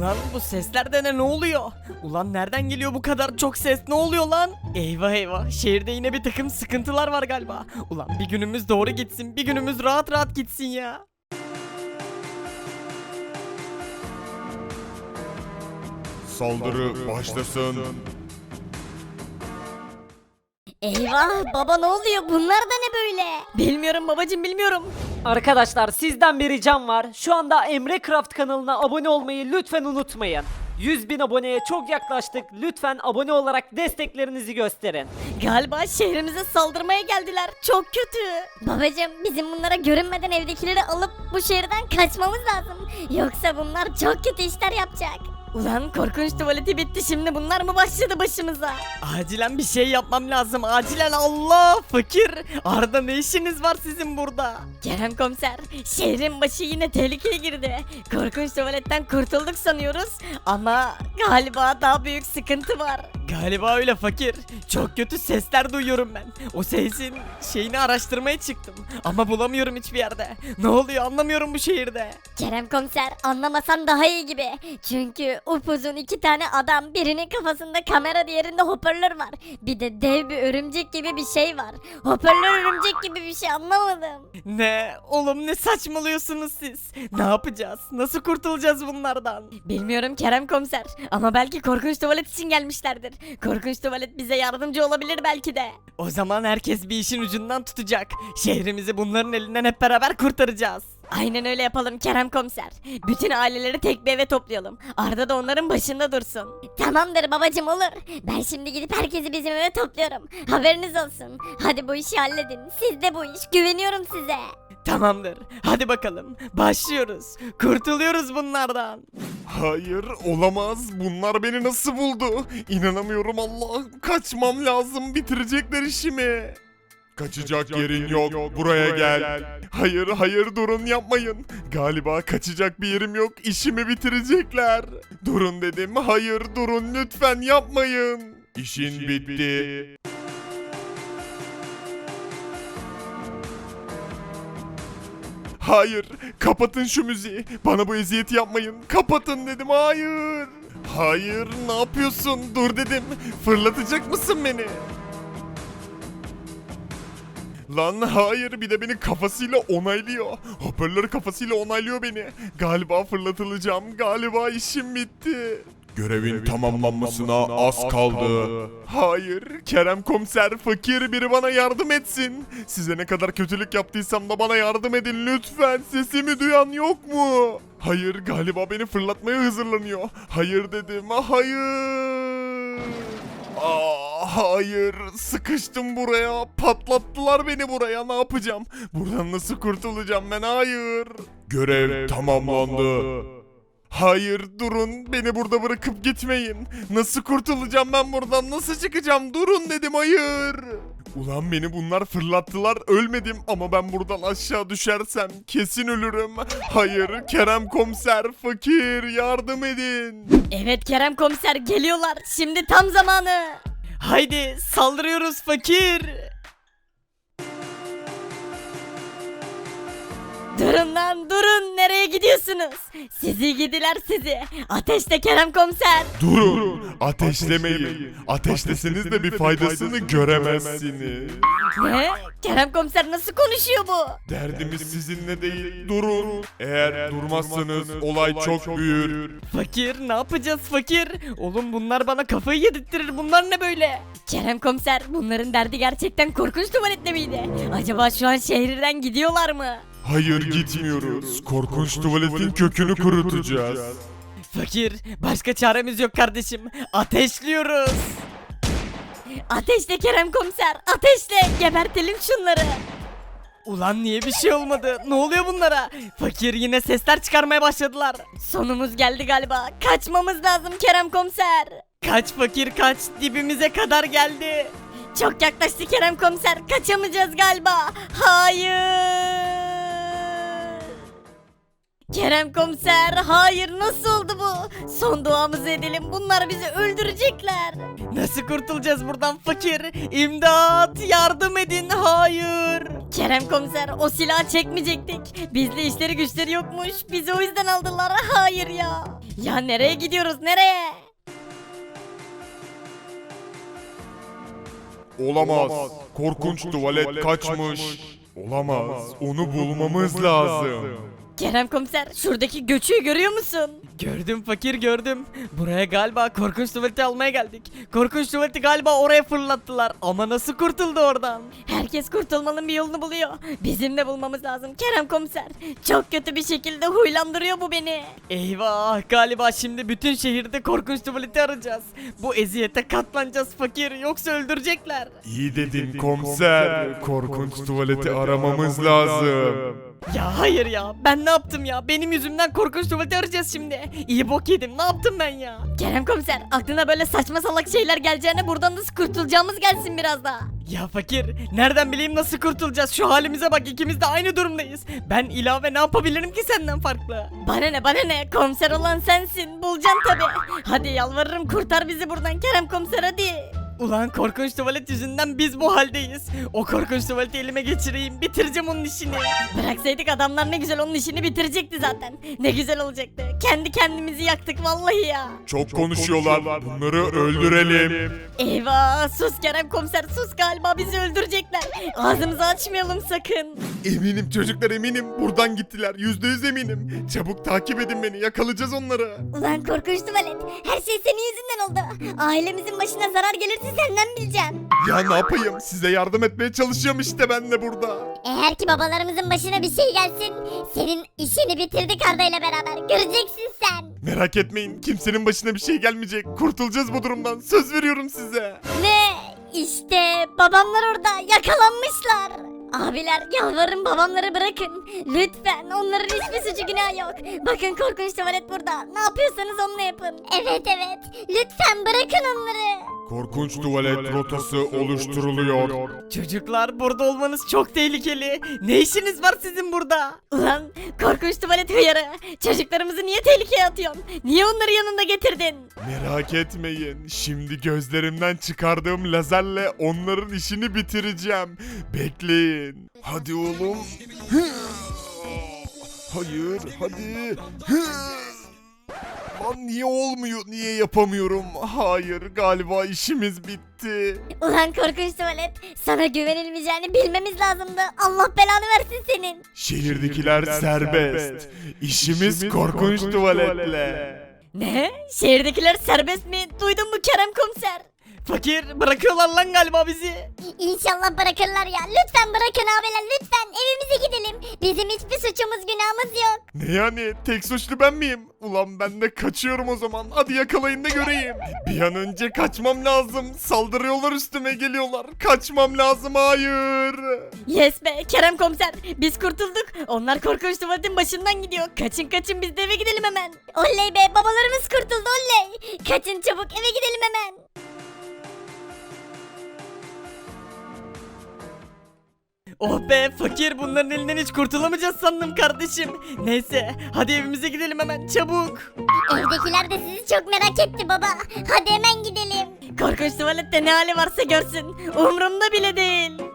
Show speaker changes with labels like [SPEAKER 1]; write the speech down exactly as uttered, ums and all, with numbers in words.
[SPEAKER 1] Ulan bu sesler de ne, ne oluyor? Ulan nereden geliyor bu kadar çok ses, ne oluyor lan? Eyvah eyvah, şehirde yine bir takım sıkıntılar var galiba. Ulan bir günümüz doğru gitsin, bir günümüz rahat rahat gitsin ya.
[SPEAKER 2] Saldırı başlasın.
[SPEAKER 3] Eyvah baba, ne oluyor, bunlar da ne böyle?
[SPEAKER 1] Bilmiyorum babacım, bilmiyorum.
[SPEAKER 4] Arkadaşlar sizden bir ricam var. Şu anda Emre Craft kanalına abone olmayı lütfen unutmayın. yüz bin aboneye çok yaklaştık. Lütfen abone olarak desteklerinizi gösterin.
[SPEAKER 1] Galiba şehrimize saldırmaya geldiler, çok kötü.
[SPEAKER 3] Babacım, bizim bunlara görünmeden evdekileri alıp bu şehirden kaçmamız lazım. Yoksa bunlar çok kötü işler yapacak.
[SPEAKER 1] Ulan korkunç tuvaleti bitti, şimdi bunlar mı başladı başımıza? Acilen bir şey yapmam lazım, acilen. Allah, fakir Arda, ne işiniz var sizin burada? Kerem komiser, şehrin başı yine tehlikeye girdi. Korkunç tuvaletten kurtulduk sanıyoruz ama galiba daha büyük sıkıntı var. Galiba öyle fakir, çok kötü sesler duyuyorum ben. O sesin şeyini araştırmaya çıktım ama bulamıyorum hiçbir yerde. Ne oluyor anlamıyorum bu şehirde.
[SPEAKER 3] Kerem komiser, anlamasan daha iyi gibi. Çünkü upuzun iki tane adam, birinin kafasında kamera, diğerinde hoparlör var. Bir de dev bir örümcek gibi bir şey var. Hoparlör örümcek gibi bir şey, anlamadım.
[SPEAKER 1] Ne? Oğlum ne saçmalıyorsunuz siz? Ne yapacağız? Nasıl kurtulacağız bunlardan? Bilmiyorum Kerem komiser ama belki korkunç tuvalet için gelmişlerdir. Korkunç tuvalet bize yardımcı olabilir belki de. O zaman herkes bir işin ucundan tutacak. Şehrimizi bunların elinden hep beraber kurtaracağız. Aynen öyle yapalım Kerem komiser. Bütün aileleri tek bir eve toplayalım. Arda da onların başında dursun.
[SPEAKER 3] Tamamdır babacım, olur. Ben şimdi gidip herkesi bizim eve topluyorum. Haberiniz olsun. Hadi bu işi halledin. Siz de bu iş. Güveniyorum size.
[SPEAKER 1] Tamamdır. Hadi bakalım. Başlıyoruz. Kurtuluyoruz bunlardan.
[SPEAKER 2] Hayır, olamaz. Bunlar beni nasıl buldu? İnanamıyorum Allah. Kaçmam lazım. Bitirecekler işimi. Kaçacak yerin yok. Buraya gel. Hayır, hayır, durun, yapmayın. Galiba kaçacak bir yerim yok. İşimi bitirecekler. Durun dedim. Hayır, durun, lütfen yapmayın. İşin bitti. Hayır, kapatın şu müziği. Bana bu eziyeti yapmayın. Kapatın dedim, hayır. Hayır, ne yapıyorsun? Dur dedim. Fırlatacak mısın beni? Lan hayır, bir de beni kafasıyla onaylıyor. Hoparlör kafasıyla onaylıyor beni. Galiba fırlatılacağım. Galiba işim bitti. Görevin tamamlanmasına az kaldı. Hayır, Kerem komiser, fakir biri bana yardım etsin. Size ne kadar kötülük yaptıysam da bana yardım edin lütfen. Sesimi duyan yok mu? Hayır, galiba beni fırlatmaya hazırlanıyor. Hayır dedim, hayır. Aa, hayır, sıkıştım buraya. Patlattılar beni buraya. Ne yapacağım? Buradan nasıl kurtulacağım ben? Hayır. Görev tamamlandı. Hayır, durun, beni burada bırakıp gitmeyin. Nasıl kurtulacağım ben buradan? Nasıl çıkacağım? Durun dedim, hayır. Ulan beni bunlar fırlattılar, ölmedim ama ben buradan aşağı düşersem kesin ölürüm. Hayır, Kerem komiser, fakir, yardım edin.
[SPEAKER 1] Evet Kerem komiser, geliyorlar. Şimdi tam zamanı. Haydi saldırıyoruz fakir. Durun lan, durun, nereye gidiyorsunuz? Sizi gidiler sizi. Ateşle Kerem komiser.
[SPEAKER 2] Durun, ateşlemeyin. Ateşleseniz de bir faydasını göremezsiniz.
[SPEAKER 1] Ne? Kerem komiser nasıl konuşuyor bu?
[SPEAKER 2] Derdimiz sizinle değil, durun. Eğer durmazsanız olay çok büyür.
[SPEAKER 1] Fakir, ne yapacağız fakir? Oğlum bunlar bana kafayı yedirttirir, bunlar ne böyle? Kerem komiser, bunların derdi gerçekten korkunç tuvaletle miydi? Acaba şu an şehirden gidiyorlar mı?
[SPEAKER 2] Hayır, gitmiyoruz. Korkunç tuvaletin kökünü kurutacağız.
[SPEAKER 1] Fakir, başka çaremiz yok kardeşim. Ateşliyoruz. Ateşle Kerem komiser, ateşle. Gebertelim şunları. Ulan niye bir şey olmadı? Ne oluyor bunlara? Fakir, yine sesler çıkarmaya başladılar. Sonumuz geldi galiba. Kaçmamız lazım Kerem komiser. Kaç fakir kaç, dibimize kadar geldi. Çok yaklaştı Kerem komiser, kaçamayacağız galiba. Hayır.
[SPEAKER 3] Kerem komiser, hayır, nasıl oldu bu? Son duamızı edelim, bunlar bizi öldürecekler.
[SPEAKER 1] Nasıl kurtulacağız buradan fakir? İmdat, yardım edin, hayır.
[SPEAKER 3] Kerem komiser, o silahı çekmeyecektik. Bizde işleri güçleri yokmuş, bizi o yüzden aldılar. Hayır ya. Ya nereye gidiyoruz, nereye?
[SPEAKER 2] Olamaz. Korkunç tuvalet kaçmış. Olamaz. Onu bulmamız lazım.
[SPEAKER 3] Kerem komiser, şuradaki göçüğü görüyor musun?
[SPEAKER 1] Gördüm fakir gördüm. Buraya galiba korkunç tuvaleti almaya geldik. Korkunç tuvaleti galiba oraya fırlattılar. Ama nasıl kurtuldu oradan?
[SPEAKER 3] Herkes kurtulmanın bir yolunu buluyor. Bizim de bulmamız lazım Kerem komiser. Çok kötü bir şekilde huylandırıyor bu beni.
[SPEAKER 1] Eyvah, galiba şimdi bütün şehirde korkunç tuvaleti arayacağız. Bu eziyete katlanacağız fakir, yoksa öldürecekler.
[SPEAKER 2] İyi dedin komiser. Korkunç tuvaleti aramamız lazım.
[SPEAKER 1] Ya hayır ya, ben ne yaptım ya? Benim yüzümden korkunç tuvaleti arayacağız şimdi. İyi bok yedim, ne yaptım ben ya?
[SPEAKER 3] Kerem komiser, aklına böyle saçma salak şeyler geleceğine buradan nasıl kurtulacağımız gelsin biraz daha.
[SPEAKER 1] Ya fakir, nereden bileyim nasıl kurtulacağız? Şu halimize bak, ikimiz de aynı durumdayız. Ben ilave ne yapabilirim ki senden farklı?
[SPEAKER 3] Bana ne bana ne, komiser olan sensin, bulacaksın tabi. Hadi yalvarırım, kurtar bizi buradan Kerem komiser, hadi.
[SPEAKER 1] Ulan korkunç tuvalet yüzünden biz bu haldeyiz. O korkunç tuvaleti elime geçireyim, bitireceğim onun işini.
[SPEAKER 3] Bıraksaydık adamlar ne güzel onun işini bitirecekti zaten. Ne güzel olacaktı. Kendi kendimizi yaktık vallahi ya.
[SPEAKER 2] Çok konuşuyorlar. Bunları öldürelim.
[SPEAKER 3] Eyvah, sus Kerem komiser, sus, galiba bizi öldürecekler. Ağzımızı açmayalım sakın.
[SPEAKER 2] Eminim çocuklar, eminim. Buradan gittiler. Yüzde yüz eminim. Çabuk takip edin beni. Yakalayacağız onları.
[SPEAKER 3] Ulan korkunç tuvalet, her şey senin yüzünden oldu. Ailemizin başına zarar gelirse senden bileceğim.
[SPEAKER 2] Ya ne yapayım? Size yardım etmeye çalışıyorum işte ben de burada.
[SPEAKER 3] Eğer ki babalarımızın başına bir şey gelsin, senin işini bitirdik Arda ile beraber, göreceksin sen.
[SPEAKER 2] Merak etmeyin. Kimsenin başına bir şey gelmeyecek. Kurtulacağız bu durumdan. Söz veriyorum size.
[SPEAKER 3] Ne? İşte babamlar orada yakalanmışlar. Abiler, yalvarırım babamları bırakın. Lütfen, onların hiçbir suçu günahı yok. Bakın korkunç tuvalet burada. Ne yapıyorsanız onunla yapın. Evet evet. Lütfen bırakın onları.
[SPEAKER 2] Korkunç tuvalet rotası oluşturuluyor.
[SPEAKER 1] Çocuklar, burada olmanız çok tehlikeli. Ne işiniz var sizin burada?
[SPEAKER 3] Ulan korkunç tuvalet hıyarı. Çocuklarımızı niye tehlikeye atıyorsun? Niye onları yanında getirdin?
[SPEAKER 2] Merak etmeyin. Şimdi gözlerimden çıkardığım lazerle onların işini bitireceğim. Bekleyin. Hadi oğlum. Hayır, hadi. Lan niye olmuyor? Niye yapamıyorum? Hayır, galiba işimiz bitti.
[SPEAKER 3] Ulan korkunç tuvalet. Sana güvenilmeyeceğini bilmemiz lazımdı. Allah belanı versin senin.
[SPEAKER 2] Şehirdekiler serbest. İşimiz korkunç tuvaletle.
[SPEAKER 3] Ne? Şehirdekiler serbest mi? Duydun mu Kerem komiser?
[SPEAKER 1] Fakir, bırakıyorlar lan galiba bizi.
[SPEAKER 3] İnşallah bırakırlar ya. Lütfen bırakın abiler, lütfen evimize gidelim. Bizim hiçbir suçumuz günahımız yok.
[SPEAKER 2] Ne yani? Tek suçlu ben miyim? Ulan ben de kaçıyorum o zaman. Hadi yakalayın da göreyim. Bir an önce kaçmam lazım. Saldırıyorlar, üstüme geliyorlar. Kaçmam lazım, hayır.
[SPEAKER 3] Yes be Kerem komiser, biz kurtulduk. Onlar korkunç tuvaletin başından gidiyor. Kaçın kaçın, biz de eve gidelim hemen. Oley be, babalarımız kurtuldu, oley. Kaçın çabuk, eve gidelim hemen.
[SPEAKER 1] Oh be fakir, bunların elinden hiç kurtulamayacağız sandım kardeşim. Neyse, hadi evimize gidelim hemen çabuk.
[SPEAKER 3] Evdekiler de sizi çok merak etti baba. Hadi hemen gidelim. Korkunç tuvalette ne hali varsa görsün. Umurumda bile değil.